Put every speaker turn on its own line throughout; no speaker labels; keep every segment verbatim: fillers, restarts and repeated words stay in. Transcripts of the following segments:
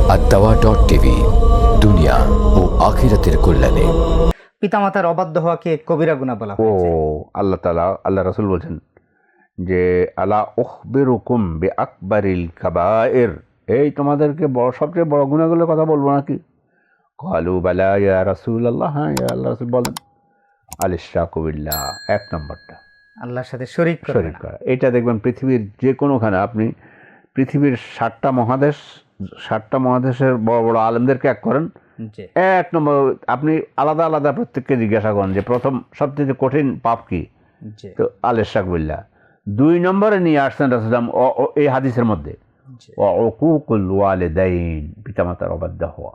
আদ-দাওয়া dot TV, দুনিয়া ও আখিরাতের কল্যাণে।
পিতামাতার অবাধ্য হওয়াকে কবিরা গুনাহ বলা
ও
হয়েছে।
আল্লাহ তাআলা আল্লাহ রাসূল বলছেন যে আলা উখবিরুকুম বিআকবারিল কাবায়ের, এই তোমাদেরকে বড় সবচেয়ে বড় গুনাহগুলোর কথা বলবো নাকি? ক্বালু বালা ইয়া রাসূলুল্লাহ, হ্যাঁ ইয়া আল্লাহ রাসূল বলেন। আল ইশরাকু বিল্লাহ, এক নম্বরটা
আল্লাহর সাথে শরীক করবে
শরীক
না।
করা। এটা দেখবেন পৃথিবীর যে কোনোখানে, আপনি পৃথিবীর ষাটটা মহাদেশ ষাটটা মহাদেশের বড় বড় আলেমদেরকে এক করেন,
জি
এক নম্বর আপনি আলাদা আলাদা প্রত্যেককে জিজ্ঞাসা করেন যে প্রথম সবচেয়ে কঠিন পাপ কি,
জি
তো আল ইশরাক বিল্লাহ। দুই নম্বরে নিয়ে আসছেন রাসূল এই হাদিসের মধ্যে
জি
উকুকুল ওয়ালিদাইন, পিতামাতার অবাধ্য হওয়া।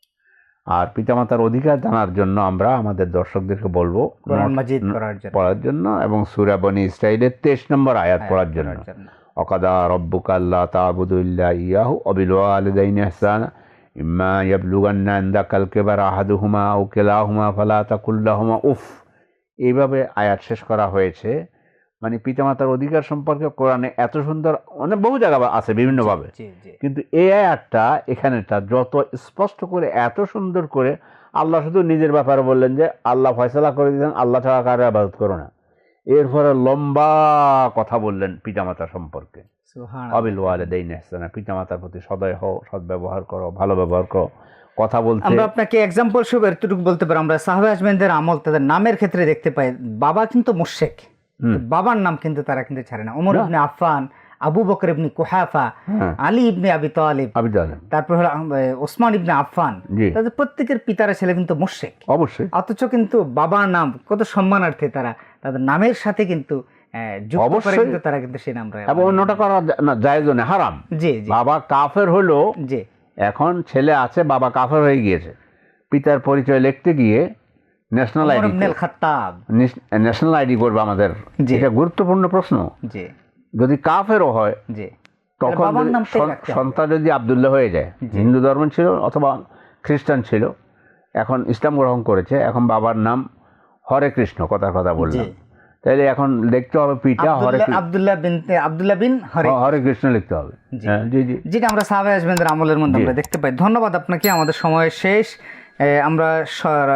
আর পিতামাতার অধিকার জানার জন্য আমরা আমাদের দর্শকদেরকে বলবো
কোরআন মাজিদ পড়ার জন্য
পড়ার জন্য এবং সূরা বনী ইসরাঈলের তেইশ নম্বর আয়াত পড়ার জন্য।
পড়ার জন্য।
ওয়াকাদা রাব্বুকা আল্লা তা'বুদু ইল্লা ইয়াহু ওয়া বিল ওয়ালিদাইনি ইহসানা ইম্মা ইয়াবলুগান্না ইনদাকাল কিবারা আহাদুহুমা আও কিলাহুমা ফালা তাকুল লাহুমা উফ। এইভাবে আয়াত শেষ করা হয়েছে। মানে পিতামাতার অধিকার সম্পর্কে কোরআনে এত সুন্দর, অনেক বহু জায়গা আছে বিভিন্নভাবে,
জি জি
কিন্তু এই আয়াতটা এখানেটা যত স্পষ্ট করে এত সুন্দর করে আল্লাহ শুধু নিজের ব্যাপারে বললেন যে আল্লাহ ফয়সালা করে দিলেন, আল্লাহ ছাড়া কারো ইবাদত করো না। এরপরে লম্বা কথা বললেন পিতামাতা সম্পর্কে।
সুবহানাল্লাহ।
অবিল ওয়ালিদাইনি ইহসানা, পিতামাতার প্রতি সদয় হও, সৎ ব্যবহার করো, ভালো ব্যবহার করো। কথা বলতে
আমরা আপনাকে এক্সাম্পল স্বরূপ এতটুকু বলতে পারি, আমরা সাহাবা আজমাইনদের আমল তাদের নামের ক্ষেত্রে দেখতে পাই। বাবা কিন্তু মুশরিক, বাবার নাম কিন্তু তারা কিন্তু ছাড়ে না। ওমর ইবনে আফফান, আবু বকর ইবনে কুহাফা,
হ্যাঁ।
আলী ইবনে আবি তালিব,
আবি তালেব,
তারপর হলো আহ, ওসমান ইবনে আফফান,
জি।
তাদের প্রত্যেকের পিতারা ছেলে কিন্তু মুশরিক,
অবশ্যই
অথচ কিন্তু বাবার নাম কত সম্মানার্থে তারা তাদের নামের সাথে কিন্তু আহ, যুক্ত করে
অবশ্যই।
কিন্তু তারা কিন্তু সেই নাম রাখে।
এবং অন্যটা করা না জায়েজ না, হারাম।
জি জি
বাবা কাফের হলো,
জি
এখন ছেলে আছে বাবা কাফের হয়ে গিয়েছে, পিতার পরিচয় লিখতে গিয়ে national
Omar
ID
Ibnul Khattab,
national ID করবে আমাদের,
জি।
এটা গুরুত্বপূর্ণ প্রশ্ন।
জি
যদি কাফেরও হয়
জি
তখন
বাবার
যদি
নামটাই
সন-
রাখতে হবে।
সন্তান যদি আব্দুল্লাহ হয়ে যায়, হিন্দু ধর্ম ছিল অথবা খ্রিস্টান ছিল, এখন ইসলাম গ্রহণ করেছে, এখন বাবার নাম হরে কৃষ্ণ, কথার কথা বললাম,
জি।
তাইলে এখন লিখতে হবে পিতা হরে
আব্দুল্লাহ
কৃষ্ণ,
আব্দুল্লাহ বিন আব্দুল্লাহ বিন হরে,
হরে কৃষ্ণ লিখতে হবে।
জি।
হ্যাঁ, জি জি
যেটা আমরা সাহাবা আজমাইনদের আমলের মধ্যে
জি।
আমরা দেখতে পাই। ধন্যবাদ আপনাকে, আমাদের সময় শেষ। এ, আমরা স-